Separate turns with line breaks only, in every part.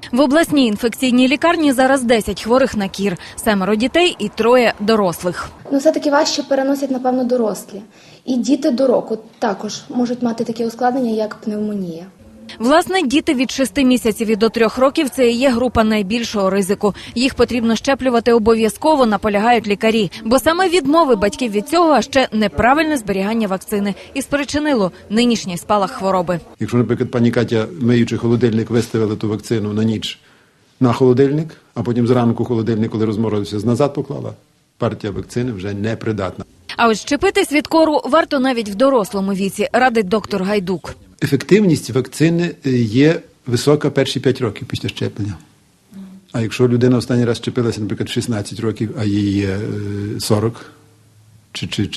В обласній інфекційній лікарні зараз 10 хворих на кір, 7 дітей і 3 дорослих.
Все-таки важче переносять, напевно, дорослі. І діти до року також можуть мати такі ускладнення, як пневмонія.
Власне, діти від 6 місяців і до 3 років – це і є група найбільшого ризику. Їх потрібно щеплювати обов'язково, наполягають лікарі. Бо саме відмови батьків від цього, а ще неправильне зберігання вакцини і спричинило нинішній спалах хвороби.
Якщо, наприклад, пані Катя, миючи холодильник, виставила ту вакцину на ніч на холодильник, а потім зранку холодильник, коли розморозився, назад поклала, партія вакцини вже непридатна.
А ось щепитись від кору варто навіть в дорослому віці, радить доктор Гайдук.
Ефективність вакцини є висока перші 5 років після щеплення. А якщо людина останній раз щепилася, наприклад, в 16 років, а їй 40 чи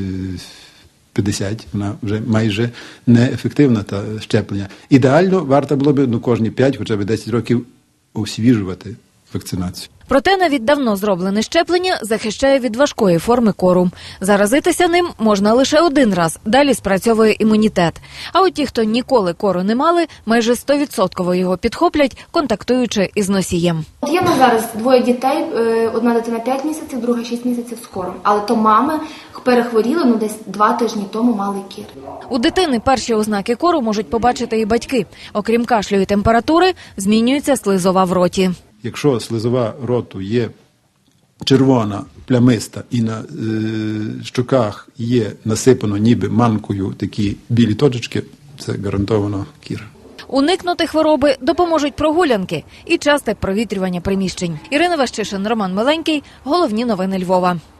50, вона вже майже неефективна та щеплення. Ідеально варто було б кожні 5, хоча б 10 років освіжувати вакцинацію.
Проте навіть давно зроблене щеплення захищає від важкої форми кору. Заразитися ним можна лише один раз, далі спрацьовує імунітет. А от ті, хто ніколи кору не мали, майже 100% його підхоплять, контактуючи із носієм.
Є в нас зараз 2 дітей, одна дитина 5 місяців, друга 6 місяців з кором. Але то мами перехворіли, десь 2 тижні тому мали кір.
У дитини перші ознаки кору можуть побачити і батьки. Окрім кашлю і температури, змінюється слизова в роті.
Якщо слизова роту є червона, плямиста і на щоках є насипано ніби манкою такі білі точечки, це гарантовано кір.
Уникнути хвороби допоможуть прогулянки і часте провітрювання приміщень. Ірина Ващишин, Роман Миленький. Головні новини Львова.